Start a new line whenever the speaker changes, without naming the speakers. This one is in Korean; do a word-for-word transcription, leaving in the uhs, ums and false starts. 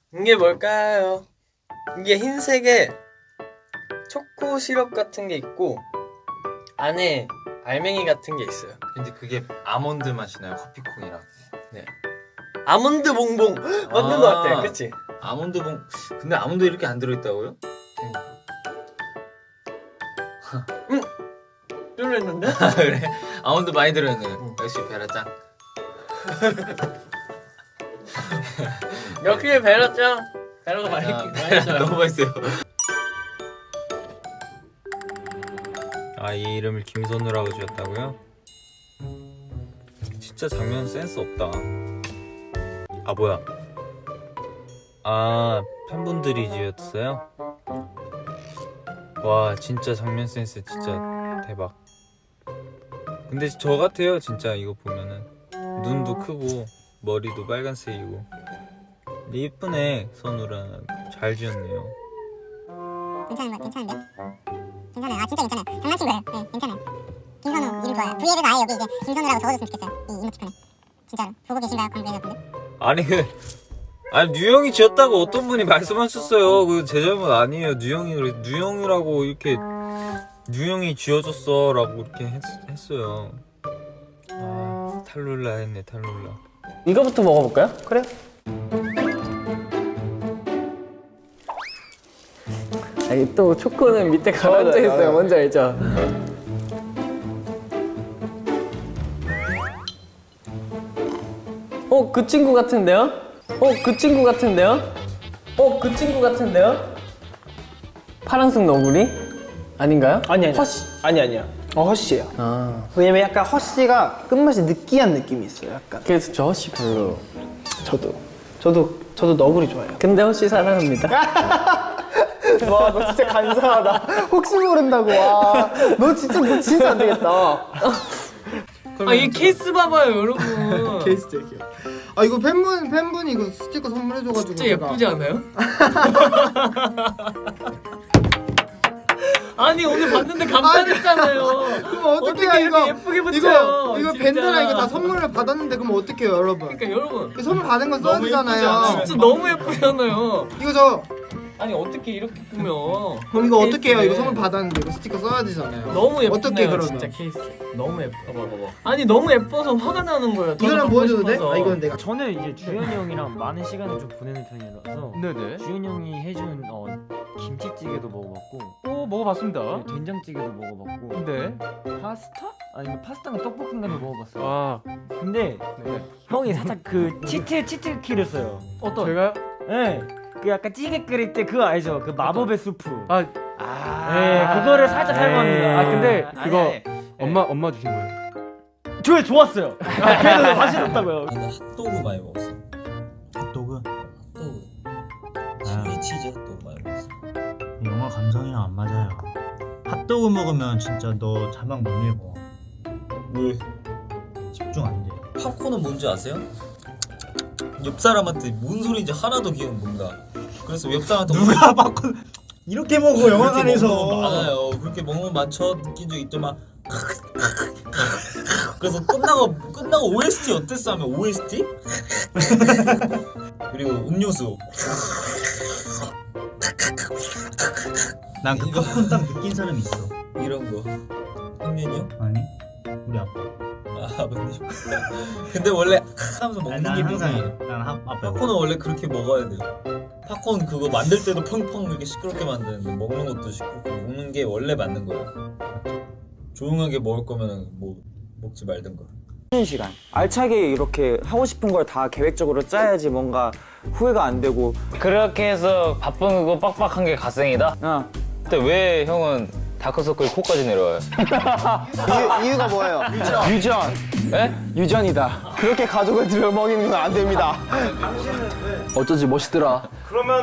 이게 뭘까요? 이게 흰색에 초코 시럽 같은 게 있고 안에 알맹이 같은 게 있어요.
근데 그게 아몬드 맛이 나요, 커피콩이랑.
네. 아몬드 봉봉 맞는
아.
것 같아, 그치?
아몬드 봉. 근데 아몬드 이렇게 안 들어있다고요?
응. 쫄렸는데?
아, 그래? 아몬드 많이 들어있네.
응.
역시 베라짱.
역시 베라짱. 베라가 많이
아,
많이
베라
써요.
너무 맛있어요.
아, 이 이름을 김선우라고 지었다고요? 진짜 장면 센스 없다. 아, 뭐야? 아, 팬분들이 지었어요? 와, 진짜 장면 센스 진짜 대박. 근데 저 같아요, 진짜 이거 보면은. 눈도 크고 머리도 빨간색이고. 예쁘네, 선우랑. 잘 지었네요.
괜찮은 거 괜찮은데? 괜찮아요. 아 진짜 괜찮아요. 장난친 거예요. 네, 괜찮아요. 김선우 이름 좋아요. V앱에서 아예 여기 이제 김선우라고 적어줬으면 좋겠어요. 이 이모티콘에. 진짜로 보고 계신가요, 관계자분들?
아니 그 아니 뉴형이 지었다고 어떤 분이 말씀하셨어요. 그 제 잘못 아니에요. 뉴형이 그래 뉴형이라고 이렇게 뉴형이 지어줬어라고 이렇게 했, 했어요. 아 탈룰라 했네 탈룰라.
이거부터 먹어볼까요? 그래요. 아니 또 초코는 밑에 가라앉아 있어요. 뭔지 알죠? 어, 그 친구 같은데요? 어, 그 친구 같은데요? 어, 그 친구 같은데요? 파란색 너구리? 아닌가요?
아니 아니
허쉬.
아니 아니야. 어 허쉬예요.
아,
왜냐면 약간 허쉬가 끝맛이 느끼한 느낌이 있어요. 약간.
그래서 저 허쉬 별로.
저도 저도 저도 너구리 좋아해요.
근데 허쉬 사랑합니다.
와 너 진짜 간사하다. 혹시 모른다고 와. 너 진짜 너 진짜 안 되겠다.
아, 이 케이스 봐봐요, 여러분.
케이스 제기요. 아 이거 팬분 팬분이 이거 스티커 선물해줘가지고
진짜 예쁘지 않아요? 아니 오늘 봤는데 감탄했잖아요.
그럼 어떻게
어떻게
해요
이렇게
이거?
예쁘게 붙여요?
이거 이거
진짜.
밴드랑 이거 다 선물을 받았는데 그럼 어떡해요 여러분?
그러니까 여러분
이 선물 받은 거 써야
너무 예쁘지 않아요?
되잖아요.
진짜 너무 예쁘잖아요.
이거 저
아니 어떻게 이렇게 꾸며?
그럼 이거 어떻게 해요?
케이스를.
이거 선물 받았는데 이거 스티커 써야 되잖아요.
너무 예쁘네요.
어떻게 그러면?
진짜 케이스 너무 예뻐. 봐봐 봐봐. 아니 너무 예뻐서 화가 나는 거예요. 더
이거는
갖고
보여줘도 돼?
싶어서.
아 이건 내가.
저는 이제 주현이 형이랑 많은 시간을 좀 보내는 편이라서
네네.
주현이 형이 해준 어, 김치찌개도 먹어봤고
오 먹어봤습니다.
네, 된장찌개도 먹어봤고
네.
파스타? 아니 파스타가 떡볶이인가도 먹어봤어요.
아
근데
네.
형이 살짝 그 치트 치트 키를 써요.
어떤? 제가요?
네. 그 약간 찌개 끓일 때 그거 알죠? 그 마법의 수프.
아,
네, 그거를 살짝
에이.
사용합니다.
아, 근데
아니,
그거
아니, 아니.
엄마 엄마 주신 거예요.
저 좋았어요. 아, 그래도 맛이 났다고요.
나는 핫도그 많이 먹었어.
핫도그?
핫도그. 칠리 치즈 핫도그 많이 먹었어.
영화 감성이랑 안 맞아요. 핫도그 먹으면 진짜 너 자막 못 읽어.
왜?
집중 안 돼.
팝콘은 뭔지 아세요? 옆 사람한테 뭔 소리인지 하나도 기억 못나. 그래서 옆 사람한테
누가 팝콘 이렇게 먹어
그렇게
영화관에서.
먹는 거 많아요. 그렇게 먹는 거 많죠. 느낀 적 있지만 그래서 끝나고 끝나고 오에스티 어땠어 하면 오에스티? 그리고 음료수.
난 그
이거-
팝콘 딱 느낀 사람 있어.
이런 거. 형님이요?
아니? 우리 아빠.
아 아버님. 근데 원래 하면서 먹는
난
기분이.
항상 난 하- 아빠.
팝콘은 원래 그렇게 먹어야 돼요. 팝콘 그거 만들 때도 펑펑 이렇게 시끄럽게 만드는데 먹는 것도 시끄럽고 먹는 게 원래 맞는 거야. 조용하게 먹을 거면 뭐 먹지 말든가.
쉬는 시간 알차게 이렇게 하고 싶은 걸 다 계획적으로 짜야지 뭔가 후회가 안 되고.
그렇게 해서 바쁜 거 빡빡한 게 갓생이다?
어.
근데 왜 형은 다크서클 코까지 내려와요?
이유, 이유가 뭐예요?
유전
에?
유전이다.
그렇게 가족을 들여먹이는 건 안 됩니다.
어쩐지 멋있더라.